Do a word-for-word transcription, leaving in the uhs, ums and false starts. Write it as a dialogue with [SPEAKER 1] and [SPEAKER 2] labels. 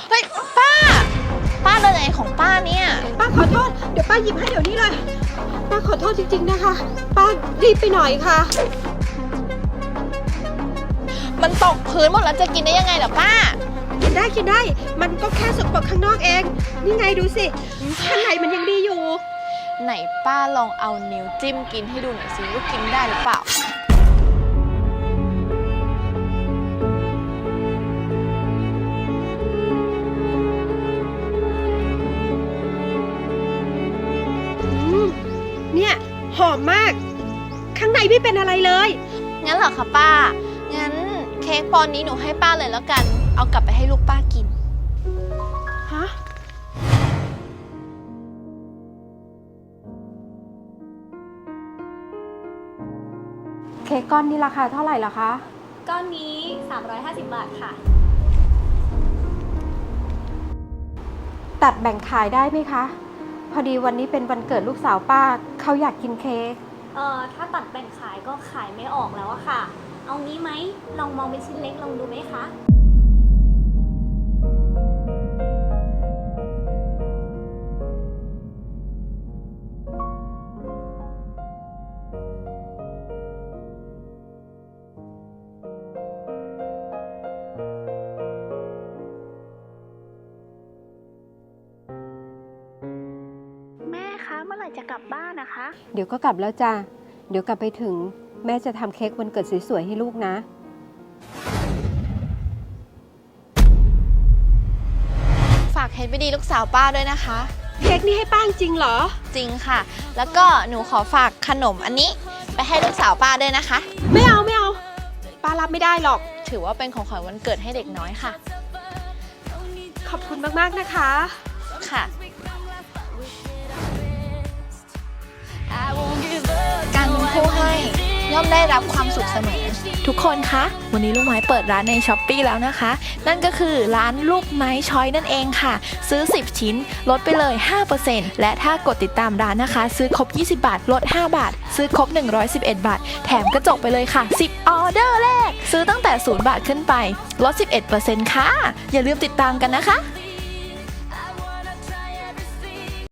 [SPEAKER 1] เฮ้ยป้าป้าเดินอะไรของป้าเนี่ย
[SPEAKER 2] ป้าขอโทษเดี๋ยวป้าหยิบให้เดี๋ยวนี้เลยป้าขอโทษจริงๆนะคะป้ารีบไปหน่อยค่ะ
[SPEAKER 1] มันตกพื้นหมดแล้วจะกินได้ยังไงล่ะป้า
[SPEAKER 2] กินได้กินได้มันก็แค่สกปรกข้างนอกเองนี่ไงดูสิข้างในมันยังดีอยู่
[SPEAKER 1] ไหนป้าลองเอานิ้วจิ้มกินให้ดูหน่อยสิว่ากินได้หรือเปล่า
[SPEAKER 2] เนี่ยหอมมากข้างในไม่เป็นอะไรเลย
[SPEAKER 1] งั้นเหรอคะป้างั้นเค้กปอนนี้หนูให้ป้าเลยแล้วกันเอากลับไปให้ลูกป้ากิน
[SPEAKER 2] ฮะเค้กก้อนนี้ราคาเท่าไหร่ล่ะคะ
[SPEAKER 3] ก้อนนี้สามร้อยห้าสิบบาทค่ะ
[SPEAKER 2] ตัดแบ่งขายได้ไหมคะพอดีวันนี้เป็นวันเกิดลูกสาวป้าเขาอยากกินเค้ก
[SPEAKER 3] เอ่อถ้าตัดแบ่งขายก็ขายไม่ออกแล้วอะค่ะเอางี้ไหมลองมองเป็นชิ้นเล็กลองดูไหมคะ
[SPEAKER 1] เมื่อไหร่จะกลับบ้านนะคะ
[SPEAKER 2] เดี๋ยวก็กลับแล้วจ้ะเดี๋ยวกลับไปถึงแม่จะทำเค้กวันเกิดสวยๆให้ลูกนะ
[SPEAKER 1] ฝากเค้กไปดีลูกสาวป้าด้วยนะคะ
[SPEAKER 2] เค้กนี่ให้ป้าจริงเหรอ
[SPEAKER 1] จริงค่ะแล้วก็หนูขอฝากขนมอันนี้ไปให้ลูกสาวป้าด้วยนะคะ
[SPEAKER 2] ไม่เอาไม่เอาป้ารับไม่ได้หรอก
[SPEAKER 1] ถือว่าเป็นของขวัญวันเกิดให้เด็กน้อยค่ะ
[SPEAKER 2] ขอบคุณมากๆนะคะ
[SPEAKER 1] ค่ะการเป็นผู้ให้ย่อมได้รับความสุขเสมอทุกคนคะวันนี้ลูกไม้เปิดร้านใน ช้อปปี้ แล้วนะคะนั่นก็คือร้านลูกไม้ช้อยนั่นเองค่ะซื้อสิบชิ้นลดไปเลย ห้าเปอร์เซ็นต์ และถ้ากดติดตามร้านนะคะซื้อครบยี่สิบบาทลดห้าบาทซื้อครบหนึ่งร้อยสิบเอ็ดบาทแถมกระจกไปเลยค่ะสิบออเดอร์แรกซื้อตั้งแต่ศูนย์บาทขึ้นไปลด สิบเอ็ดเปอร์เซ็นต์ ค่ะอย่าลืมติดตามกันนะคะ